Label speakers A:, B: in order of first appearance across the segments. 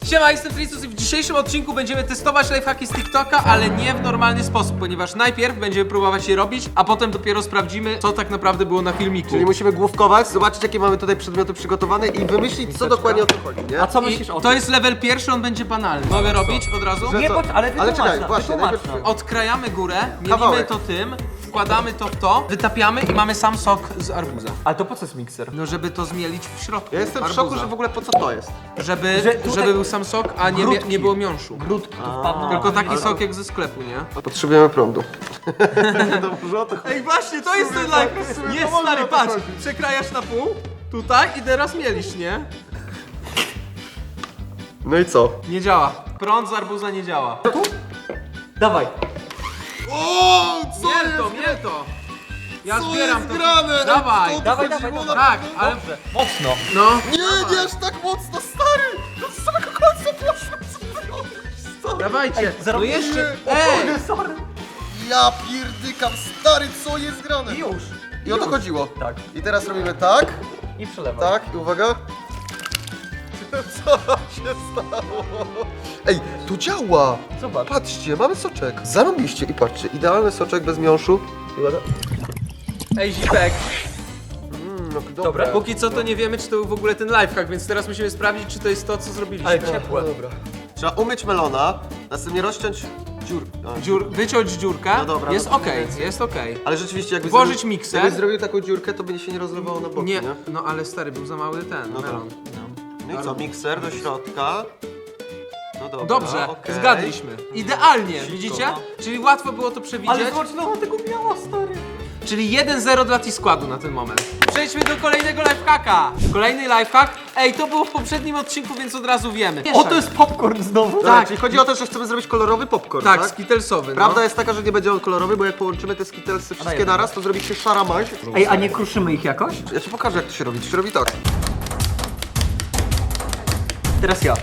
A: Siema, jestem Fricus i w dzisiejszym odcinku będziemy testować lifehacki z TikToka, ale nie w normalny sposób, ponieważ najpierw będziemy próbować je robić, a potem dopiero sprawdzimy, co tak naprawdę było na filmiku.
B: Czyli musimy główkować, zobaczyć jakie mamy tutaj przedmioty przygotowane i wymyślić co dokładnie o co chodzi, nie?
C: A co
A: I
C: myślisz o
A: to
C: tym?
A: jest level pierwszy, on będzie banalny. Mogę robić od razu?
C: Nie,
B: co?
C: bądź, ale wytłumacz
B: czekaj,
C: nam,
B: właśnie,
C: wytłumacz
B: najpierw-
C: nam.
A: Odkrajamy górę, mielimy
B: Kawałek.
A: to tym, wkładamy to w to, wytapiamy i mamy sam sok z arbuza.
C: Ale to po co jest mikser?
A: No żeby to zmielić w środku
B: Ja jestem w
A: arbuza.
B: szoku, że w ogóle po co to jest.
A: Żeby,
C: Że tutaj-
A: żeby był sam sok, a nie,
C: Grudki.
A: nie było miąższu.
C: Grudki tu wpadną.
A: Tylko taki sok jak ze sklepu, nie?
B: Potrzebujemy prądu. Dobrze o to chodzi.
A: Ej, właśnie, to jest ten life. Nie,
B: to
A: stary,
B: może
A: patrz.
B: chodzi.
A: Przekrajasz na pół, tutaj i teraz mielisz, nie?
B: No i co?
A: Nie działa. Prąd z arbuza nie działa.
C: Dawaj.
B: O,
A: Miel to. Ja zbieram to.
B: grane?
A: Dawaj.
B: To
C: Dawaj,
B: chodziło
C: dawaj,
B: na-
C: dawaj.
A: Tak, ale...
C: Dobrze. Mocno.
A: No.
B: Nie, nie aż tak mocno, stary! No z samego końca poszło, co ty robisz, stary?
A: Dawajcie. No
C: zrobimy-
A: jeszcze...
C: O
A: Ej!
C: kurde, sorry.
B: Ja pierdykam, stary, co jest grane?
C: I już.
B: I o to chodziło.
C: Tak.
B: I teraz robimy tak,
C: I przelewaj.
B: tak, i uwaga. Co się stało? Ej, to działa!
C: Zobacz.
B: Patrzcie, mamy soczek. Zarobiście i patrzcie, idealny soczek bez miąższu. I uwaga.
A: Ej, Zipek.
B: No,
C: Dobre?
A: Póki co to nie wiemy, czy to był w ogóle ten lifehack, więc teraz musimy sprawdzić, czy to jest to, co zrobiliśmy.
C: Ale ciepłe.
B: No dobra. Trzeba umyć melona, następnie rozciąć dziur.
A: Wyciąć dziurkę.
B: No dobra,
A: Jest
B: no to
A: okej,
B: więcej.
A: jest okej.
B: Ale rzeczywiście jakby
A: Włożyć mikser.
B: Jakbyś zrobił taką dziurkę, to by się nie rozlewało na boki, nie?
A: Nie, no ale stary, był za mały ten
B: No
A: melon.
B: No i co, mikser do środka. No dobra,
A: Dobrze,
B: okej.
A: zgadliśmy. Idealnie, widzicie?
C: no.
A: Czyli łatwo było to przewidzieć.
C: Ale zobacz, no tego miała, stary.
A: Czyli 1-0 dla T-Składu na ten moment. Przejdźmy do kolejnego lifehacka. Kolejny lifehack. Ej, to było w poprzednim odcinku, więc od razu wiemy.
C: O, to jest popcorn znowu.
B: Dobra,
A: Tak.
B: czyli chodzi o to, że chcemy zrobić kolorowy popcorn,
A: Tak,
B: tak?
A: skittelsowy.
B: Prawda
A: no.
B: jest taka, że nie będzie on kolorowy, bo jak połączymy te skittlesy wszystkie
C: jednego.
B: naraz, to zrobi się szara maź.
C: Ej, a nie kruszymy ich jakoś?
B: Ja ci pokażę, jak to się robi. To się robi tak.
C: Teraz ja.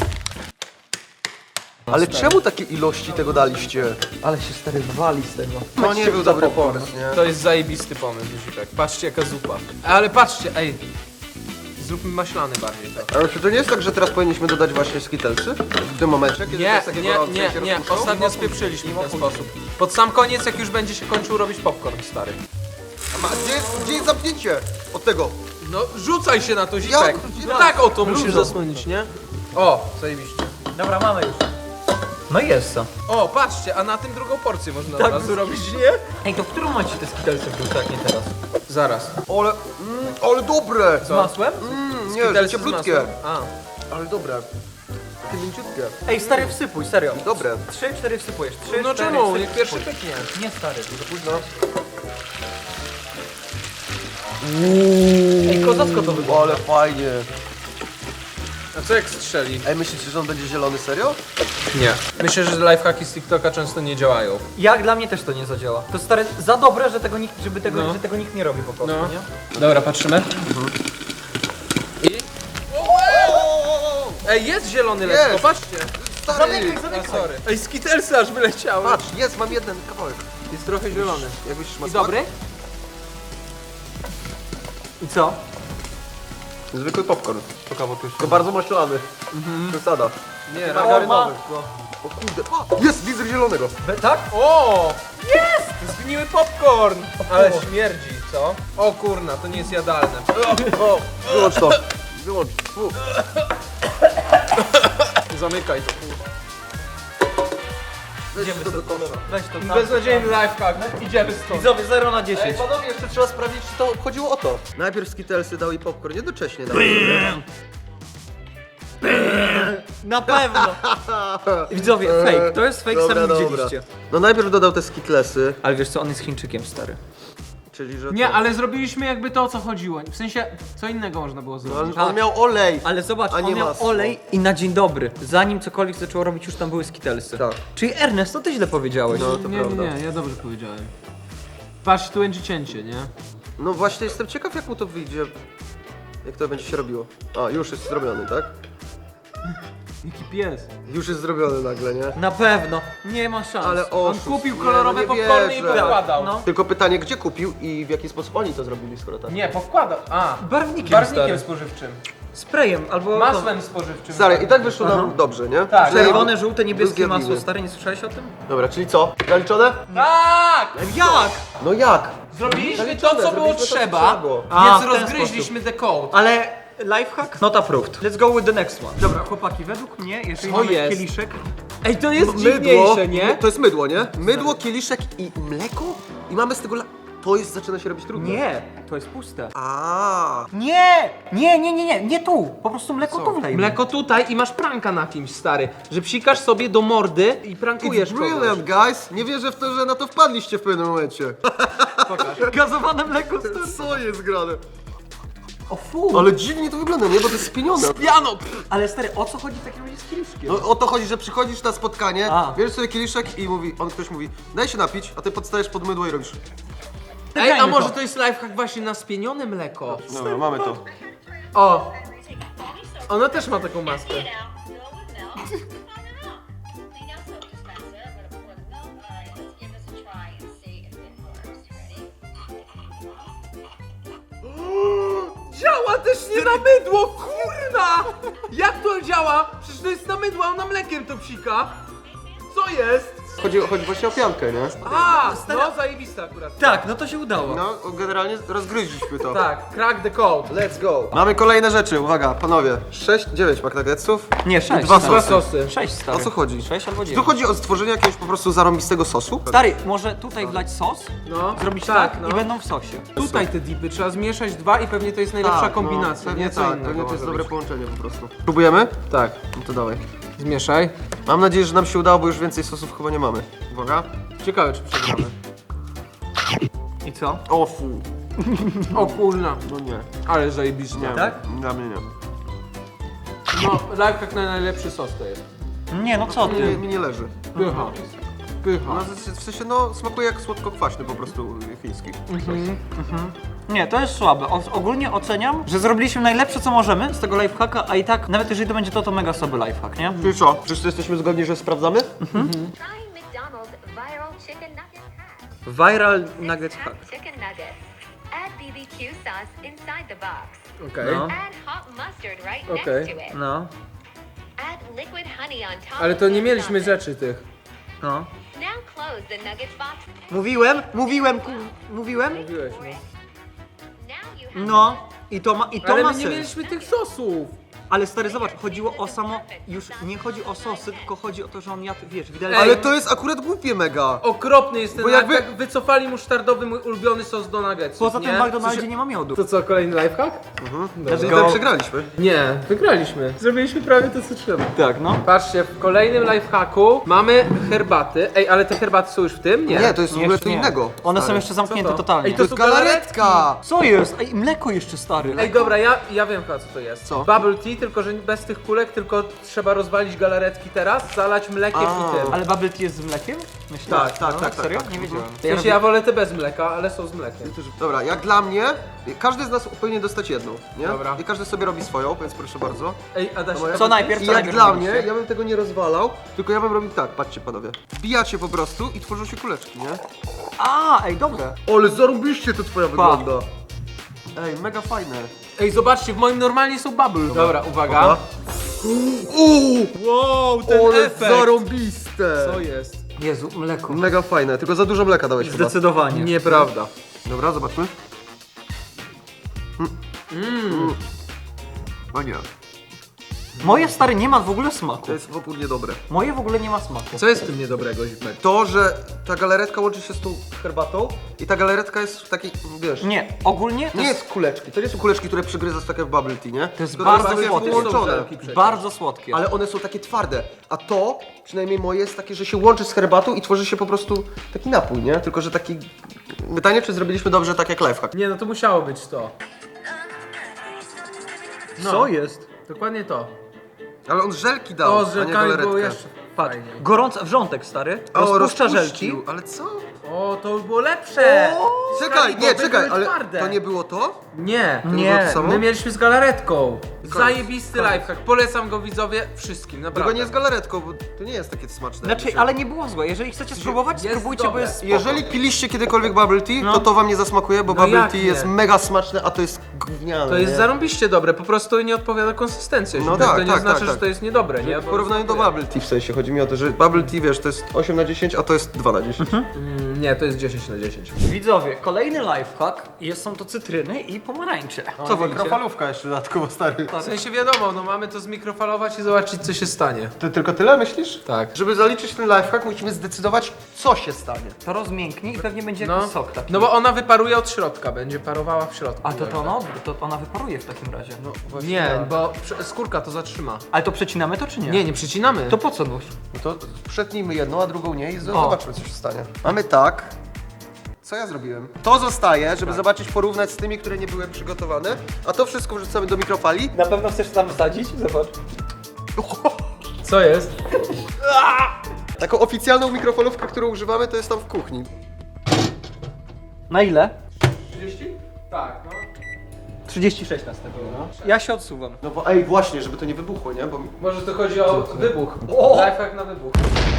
B: Ale czemu takie ilości tego daliście?
C: Ale się stary wali z tego.
B: To nie był dobry pomysł, nie?
A: To jest zajebisty pomysł, Zipek. Patrzcie, jaka zupa. Ale patrzcie, ej. Zróbmy maślany bardziej to.
B: Ale czy to nie jest tak, że teraz powinniśmy dodać właśnie skittlesy? W tym momencie, kiedy to
A: Nie,
B: jest takie gorące i się
A: nie.
B: rozpuszczą?
A: Ostatnio spieprzyliśmy w ten sposób. Pod sam koniec, jak już będzie się kończył robić popcorn, stary.
B: Gdzie jest zamknięcie od tego?
A: No, rzucaj się na to, Zipek.
B: Jak?
A: No tak o to musisz zasłonić, nie? O, zajebiście.
C: Dobra, mamy już. No i jest co.
A: O, patrzcie, a na tym drugą porcję można
C: Tak.
A: od razu robić, nie?
C: Ej, to w którym momencie te skittlesy wrzucać, jak nie teraz?
A: Zaraz.
B: Ale dobre!
C: Z masłem?
B: Nie, że
A: Skittlesy z
B: cieplutkie.
A: masłem. A.
B: Ale dobre. Takie mięciutkie.
C: Ej, stary, wsypuj, serio.
B: Dobre.
C: 3-4 wsypujesz. 3,
A: No
C: 4,
A: czemu?
C: wsyp-
A: Niech pierwszy
C: wsypuj.
A: pyknie.
C: Nie, stary.
B: Późno.
C: Ej, kozacko to wygląda.
B: Ale fajnie.
A: A co jak strzeli?
B: Ej, myślicie, że on będzie zielony, serio?
A: Nie. Myślę, że lifehacki z TikToka często nie działają.
C: Jak dla mnie też to nie zadziała. To stary, za dobre, że tego nikt, żeby tego,
A: No.
C: że tego nikt nie robi po prostu,
A: No.
C: nie?
A: Dobra, patrzymy. I... Ej, jest zielony lekko,
B: Jest.
A: patrzcie.
B: Stary!
A: A, sorry. Ej, skittlesy aż wyleciały.
B: Patrz, jest, mam jeden kawałek.
A: Jest trochę zielony.
B: Jakbyś ma
A: I dobry?
C: I co?
B: Zwykły popcorn. To bardzo maślany. Przesada.
A: Nie,
B: Margarynowy. O kurde, jest, widzę zielonego.
C: Tak?
A: O! Jest! Zgniły popcorn! Ale śmierdzi, co? O kurna, to nie jest jadalne.
B: O, wyłącz to. Wyłącz. Fu.
A: Zamykaj to.
C: Idziemy
B: to do
C: stąd.
B: kosza.
C: Weź to.
A: Beznadziejny lifehack. Idziemy stąd.
C: Widzowie, 0 na
B: Ej,
C: 10.
B: panowie, jeszcze trzeba sprawdzić, czy to chodziło o to. Najpierw skittlesy dał i popcorn, jednocześnie dał.
C: Na pewno. Widzowie, fake. To jest fake,
B: Dobra,
C: sami
B: dobra.
C: widzieliście.
B: No najpierw dodał te skittlesy,
C: Ale wiesz co, on jest Chińczykiem, stary.
B: czyli że
A: Nie,
B: to...
A: ale zrobiliśmy jakby to, o co chodziło. W sensie, co innego można było zrobić.
B: On miał olej.
C: Ale zobacz,
B: A nie
C: on miał
B: masło.
C: olej i na dzień dobry. Zanim cokolwiek zaczęło robić, już tam były skittlesy.
B: Tak.
C: Czyli Ernest, to ty źle powiedziałeś.
B: No, to
A: nie,
B: prawda.
A: nie, ja dobrze powiedziałem. Patrz, tu będzie cięcie, nie?
B: No właśnie jestem ciekaw, jak mu to wyjdzie. Jak to będzie się robiło. A, już jest zrobiony, tak?
A: Jaki pies.
B: Już jest zrobiony nagle, nie?
C: Na pewno. Nie ma szans.
B: Ale
A: On
B: oszust.
A: kupił
B: Nie,
A: kolorowe
B: no nie
A: popcorny i
B: wierzę.
A: pokładał.
C: No.
B: Tylko pytanie, gdzie kupił i w jaki sposób oni to zrobili, skoro tak?
A: Nie, powkładał. A,
C: Barwnikiem,
A: barwnikiem
C: stary.
A: spożywczym.
C: Sprayem albo...
A: Masłem spożywczym.
B: Stary, i tak wyszło nam dobrze, nie?
A: Tak.
C: Czerwone, żółte, niebieskie
B: Zjadliwy.
C: masło. Stary, nie słyszałeś o tym?
B: Dobra, czyli co? Zaliczone?
A: Tak!
C: Jak?
B: No jak?
A: Zrobiliśmy to, co było
B: Zrobiliśmy to, co
A: trzeba,
B: trzeba było.
C: A,
A: więc
C: w ten
A: rozgryźliśmy the code.
C: Ale lifehack? Not approved. Let's go with the next one. Dobra, chłopaki, według mnie, jeżeli
A: Co
C: mamy
A: jest?
C: kieliszek...
A: Ej, to jest
B: Mydło,
A: dziwniejsze, nie?
B: to jest mydło, nie? Mydło, kieliszek i mleko? I mamy z tego to jest, zaczyna się robić trudne.
C: Nie, to jest puste.
B: A.
C: Nie tu. Po prostu mleko tu wlejmy.
A: Mleko tutaj i masz pranka na kimś, stary. Że psikasz sobie do mordy i prankujesz
B: It's
A: kogoś.
B: brilliant, guys! Nie wierzę w to, że na to wpadliście w pewnym momencie.
C: Gazowane mleko, stary.
B: Co jest grane?
C: O fu.
B: Ale dziwnie to wygląda, nie? Bo to jest spienione.
A: Piano!
C: Ale stary, o co chodzi w takim razie z kieliszkiem?
B: No o to chodzi, że przychodzisz na spotkanie,
C: A.
B: bierzesz sobie kieliszek i ktoś mówi, daj się napić, a ty podstajesz pod mydło i robisz.
A: Ej, a
C: Grajmy
A: może
C: to.
A: to jest lifehack właśnie na spienione mleko?
B: Dobra, mamy to.
A: O! Ona też ma taką maskę.
D: It out, fill it with milk, clean out soap dispenser, I'm gonna pour the milk. Alright, let's give this a try and see if it works. Ready?
A: Działa też nie na mydło, kurna! Jak to działa? Przecież to jest na mydło, a ona mlekiem to psika. Co jest?
B: Chodzi właśnie o piankę, nie?
A: A, no zajebista akurat.
C: Tak, no to się udało.
B: No, generalnie rozgryźliśmy to.
A: Tak, crack the code.
B: Let's go. Mamy kolejne rzeczy, uwaga, panowie. 9 McNuggetsów.
C: Nie, 6.
B: Dwa
A: Dwa
B: sosy.
A: sosy.
C: 6, stary.
B: O co chodzi?
C: 6 albo
B: Tu
C: 9.
B: chodzi o stworzenie jakiegoś po prostu zarąbistego sosu?
C: Stary, może tutaj wlać sos,
A: No,
C: zrobić
A: tak,
C: tak
A: no.
C: i będą w sosie.
A: Tutaj te dipy, trzeba zmieszać dwa i pewnie to jest najlepsza kombinacja,
B: pewnie
A: nie? Co
B: tak,
A: innego
B: pewnie to
A: może
B: jest dobre
A: być.
B: połączenie po prostu. Próbujemy?
A: Tak,
B: No to dawaj.
A: zmieszaj.
B: Mam nadzieję, że nam się udało, bo już więcej sosów chyba nie mamy. Uwaga.
A: Ciekawe, czy przegramy.
C: I co?
B: O fu.
A: O kurna,
B: No nie.
A: ale zajebiście.
B: Nie.
C: Tak?
B: Dla mnie nie.
A: No, lifehack na najlepszy sos to jest.
C: Nie, no co
B: Nie,
C: ty?
B: mi nie leży.
A: Pycha. Pycha.
B: No, w sensie, no, smakuje jak słodko-kwaśny po prostu chiński.
C: Nie, to jest słabe. Ogólnie oceniam, że zrobiliśmy najlepsze co możemy z tego lifehacka, a i tak, nawet jeżeli to będzie to mega słaby lifehack, nie?
B: Czyli co? Wszyscy jesteśmy zgodni, że sprawdzamy?
D: Trying McDonald's viral chicken nugget hack.
C: Viral nuggets hack.
D: Chicken nuggets. Add BBQ sauce inside the box.
A: Okej.
C: No.
D: Add hot mustard right
A: Okay.
D: next to it.
C: No,
D: Add liquid honey on top.
A: Ale
D: of
A: to
D: the
A: nie mieliśmy
D: nugget.
A: rzeczy tych.
C: no.
D: Now close the nuggets box.
C: Mówiłem.
A: Mówiłeś, no.
D: Now you have
C: No. I to ma
A: Ale
C: ma
A: my nie
C: sens.
A: mieliśmy tych sosów.
C: Ale stary, zobacz, chodziło o samo... Już nie chodzi o sosy, tylko chodzi o to, że on jadł, wiesz, widelec.
B: Ale to jest akurat głupie mega.
A: Okropny jest ten
B: Bo jakby-
A: lifehack. Wycofali musztardowy mój ulubiony sos do nuggetsów,
C: Poza tym
A: nie?
C: w McDonaldzie nie ma miodu.
A: To co, kolejny lifehack?
B: Czyli
C: go.
B: tak przegraliśmy.
A: Nie, wygraliśmy. Zrobiliśmy prawie to, co trzeba.
C: Tak, no.
A: Patrzcie, w kolejnym lifehacku mamy herbaty. Ej, ale te herbaty są już w tym? Nie.
B: Nie, to jest w ogóle
C: Jeszcze
B: co
C: nie.
B: innego.
C: One są
B: stary.
C: jeszcze zamknięte
A: Co to?
C: totalnie.
A: Ej,
B: To jest
A: są
B: galaretka!
C: Co jest? Ej, mleko jeszcze, stary.
A: Ej, dobra, ja wiem chyba co to jest.
B: Co?
A: Bubble tea, tylko że bez tych kulek, tylko trzeba rozwalić galaretki teraz, zalać mlekiem i tym.
C: Ale bubble tea jest z mlekiem? Myślę.
B: Tak,
C: Serio?
B: tak.
C: Nie wiedziałem.
A: W sensie ja wolę te bez mleka, ale są z mlekiem.
B: Dobra, jak dla mnie, każdy z nas powinien dostać jedną, nie?
A: Dobra.
B: I każdy sobie robi swoją, więc proszę bardzo.
A: Ej, Adaś,
B: No, ja
C: Co
B: bym-
C: najpierw?
B: I
C: Co
B: jak
C: najpierw
B: dla
C: robiliście?
B: mnie, ja bym tego nie rozwalał, tylko ja bym robił tak, patrzcie panowie. Wbijacie po prostu i tworzą się kuleczki, nie?
C: Ej, dobre.
B: Ale zarobiście to twoja wygląda. Ej, mega fajne.
A: Ej, zobaczcie, w moim normalnie są bubble. Dobra, uwaga.
B: Dobra.
A: Wow,
B: Ale zarąbiste.
A: Co jest?
C: Jezu, mleko.
B: Mega fajne, tylko za dużo mleka dałeś chyba.
C: Zdecydowanie.
A: Nieprawda.
B: Dobra, zobaczmy. O nie,
C: Moje, stary, nie ma w ogóle smaku.
B: to jest w ogóle niedobre.
C: Moje w ogóle nie ma smaku.
A: Co jest w tym niedobrego, Zipek?
B: To, że ta galaretka łączy się z tą herbatą i ta galaretka jest w takiej, wiesz...
C: Nie, ogólnie to
B: Nie
C: jest
B: jest kuleczki, to nie są kuleczki, które przygryzasz takie w bubble tea, nie?
C: To jest
B: Tylko
C: bardzo
B: takie
C: słodkie.
B: połączone.
A: Żelki przecież.
C: bardzo słodkie.
B: Ale one są takie twarde, a to, przynajmniej moje, jest takie, że się łączy z herbatą i tworzy się po prostu taki napój, nie? Tylko, że taki... Pytanie, czy zrobiliśmy dobrze tak jak lifehack?
A: Nie, no to musiało być to. No.
C: Co jest?
A: Dokładnie to.
B: Ale on żelki dał,
A: O,
B: a
A: z
B: nie
A: żelkami było
B: galaretkę.
A: jeszcze
C: Patrz,
A: fajniej.
C: gorący wrzątek, stary,
B: O,
C: rozpuszcza
B: rozpuścił.
C: żelki.
B: Ale co?
A: O, to już było lepsze!
B: Czekaj, nie,
A: Skalibory
B: czekaj,
A: były
B: ale
A: twarde.
B: to nie było to?
A: Nie,
B: nie było to samo?
A: my mieliśmy z galaretką.
B: Koniec.
A: Zajebisty lifehack, polecam go widzowie wszystkim, naprawdę.
B: Tylko nie z galaretką, bo to nie jest takie smaczne.
C: Znaczy, ale nie było złe. Jeżeli chcecie spróbować,
A: jest
C: spróbujcie, bo
A: dobre.
C: jest spoko.
B: Jeżeli piliście kiedykolwiek bubble tea, to wam nie zasmakuje, bo
A: No
B: bubble
A: jak
B: tea
A: nie?
B: jest mega smaczne, a to jest gówniane.
A: To jest
B: nie?
A: zarąbiście dobre, po prostu nie odpowiada konsystencja.
B: No
A: to
B: tak,
A: nie
B: tak,
A: znaczy,
B: tak,
A: że
B: tak.
A: to jest niedobre, nie?
B: W
A: Bo
B: porównaniu do
A: smakuje.
B: bubble tea w sensie, chodzi mi o to, że bubble tea, wiesz, to jest 8 na 10, a to jest 2 na 10.
A: Nie, to jest 10 na 10.
C: Widzowie, kolejny lifehack są to cytryny i pomarańcze.
B: Co, mikrofalówka jeszcze dodatkowo, stary.
A: W sensie wiadomo, no mamy to zmikrofalować i zobaczyć co się stanie.
B: Ty tylko tyle myślisz?
A: Tak.
B: Żeby zaliczyć ten lifehack, musimy zdecydować, co się stanie.
C: To rozmięknie i pewnie będzie
A: No,
C: jakiś sok taki.
A: no bo ona wyparuje od środka, będzie parowała w środku.
C: A to ona wyparuje w takim razie. No.
A: Nie, bo skórka to zatrzyma.
C: Ale to przecinamy to czy nie?
A: Nie, nie przecinamy.
C: To po co nóż?
B: No to przetnijmy jedną, a drugą nie i zobaczmy, co się stanie. Mamy tak. Co ja zrobiłem? To zostaje, żeby zobaczyć, porównać z tymi, które nie były przygotowane, a to wszystko wrzucamy do mikrofali.
C: Na pewno chcesz tam wsadzić? Zobacz.
A: Co jest?
B: Taką oficjalną mikrofalówkę, którą używamy, to jest tam w kuchni.
C: Na ile?
A: 30? Tak, no.
C: 36 nas tego. No. Ja się odsuwam.
B: No bo ej, właśnie, żeby to nie wybuchło, nie? Bo
A: Może to chodzi o wybuch.
C: O!
A: Lifehack na wybuch.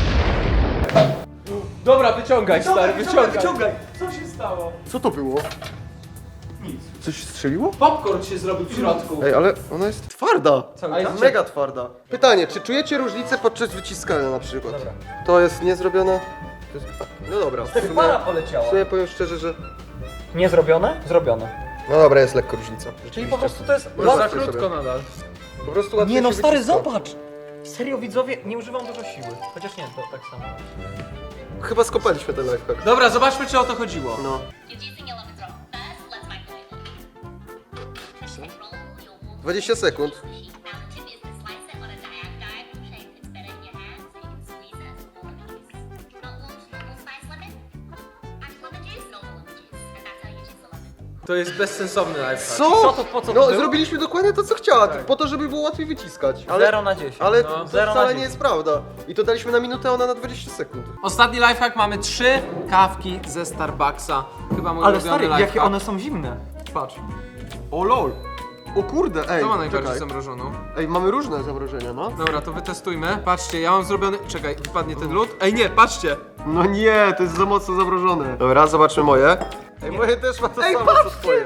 A: Dobra, wyciągaj stary, wyciągaj. Co się stało?
B: co to było? Nic. Coś strzeliło?
A: Popcorn się zrobił w środku.
B: Ej, ale ona jest twarda.
A: A jest
B: Mega twarda. Pytanie, czy czujecie różnicę podczas wyciskania na przykład?
C: Dobra.
B: To jest niezrobione? To jest... No dobra, w sumie,
C: Para poleciała.
B: w sumie powiem szczerze, że...
C: Nie zrobione? Zrobione.
B: No dobra, jest lekko różnica.
C: Czyli po prostu to jest...
A: Może za
B: Łatwiej
A: krótko
B: sobie.
A: nadal.
B: Po prostu łatwiej
C: Nie no
B: się
C: stary,
B: wyciska.
C: zobacz! Serio widzowie, nie używam dużo siły. Chociaż nie, to tak samo.
B: Chyba skopaliśmy ten lifehack.
A: Dobra, zobaczmy czy o to chodziło.
B: No.
D: You're using your lemon drop. First, let's microwave it. Roll your water
B: 20 sekund.
D: sheet. Now the tip is to slice it on a diagonal shape that's better in your hand, so you can squeeze it as a water juice. Not want normal size lemon? Add lemon juice, normal lemon juice. And that's how you juice a lemon.
A: To jest bezsensowny lifehack.
B: Co?
C: Co to- po co to
B: No,
C: było?
B: zrobiliśmy dokładnie to, co chciała, po to, żeby było łatwiej wyciskać.
C: 0 na 10.
B: Ale
A: No.
B: to
C: 0 na
B: wcale
C: 10.
B: nie jest prawda. I to daliśmy na minutę, a ona na 20 sekund.
A: Ostatni lifehack, mamy 3 kawki ze Starbucksa. Chyba mój
C: Ale
A: ulubiony
C: stary,
A: lifehack.
C: jakie one są zimne. Patrz.
B: O lol. O kurde, ej,
A: Kto ma najbardziej
B: czekaj.
A: zamrożoną?
B: Ej, mamy różne zamrożenia, no.
A: Dobra, to wytestujmy. Patrzcie, ja mam zrobiony... Czekaj, wypadnie ten lód. Ej nie, patrzcie!
B: No nie, to jest za mocno zamrożone. Dobra, zobaczmy moje. Ej, moje też ma to samo, co twoje.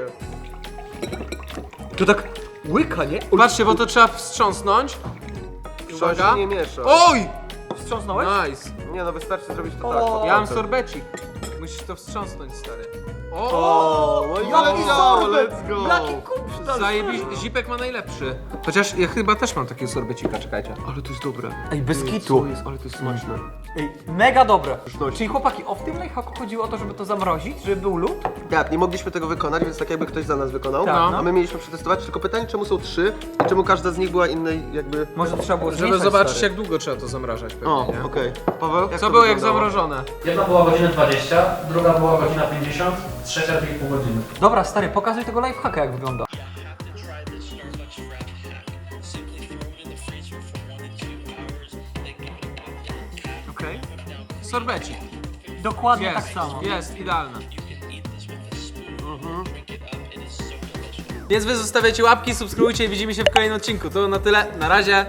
C: To tak łyka, nie?
A: Patrzcie, bo to trzeba wstrząsnąć.
B: Trzeba
A: Uwaga.
B: się nie miesza.
A: Oj!
C: Wstrząsnąłeś?
A: Nice.
B: Nie no, wystarczy zrobić to
C: O,
B: tak. po
A: Ja mam
B: palcem.
A: sorbecik. Musisz to wstrząsnąć, stary.
B: O, no i leciało, let's go.
C: Jaki kupsztal!
A: Zipek ma najlepszy. Chociaż ja chyba też mam takiego sorbecika, czekajcie.
B: Ale to jest dobre.
C: Ej, bez
B: Co
C: kitu.
B: jest, ale to jest smaczne.
C: Ej, mega dobre.
B: Pyszności.
C: Czyli chłopaki, w tym lifehacku chodziło o to, żeby to zamrozić, żeby był lód?
B: Tak, nie mogliśmy tego wykonać, więc tak jakby ktoś za nas wykonał.
C: Tak,
A: no.
B: A my mieliśmy przetestować, tylko pytanie, czemu są 3 i czemu każda z nich była innej jakby...
C: Może trzeba było
A: Żeby
C: zmieszać,
A: zobaczyć
C: stary.
A: jak długo trzeba to zamrażać pewnie,
B: O,
A: nie?
B: okej. Paweł?
A: Co
B: to
A: było jak
B: wyglądało?
A: zamrożone?
E: Jedna była godzina 20, druga była godzina 50, trzecia 2,5 godziny.
C: Dobra, stary, pokazuj tego lifehacka, jak wygląda.
A: Okej. Sorbecik.
C: Dokładnie
A: Jest,
C: tak samo.
A: jest, idealne. Więc wy zostawiajcie łapki, subskrybujcie i widzimy się w kolejnym odcinku. To na tyle, na razie.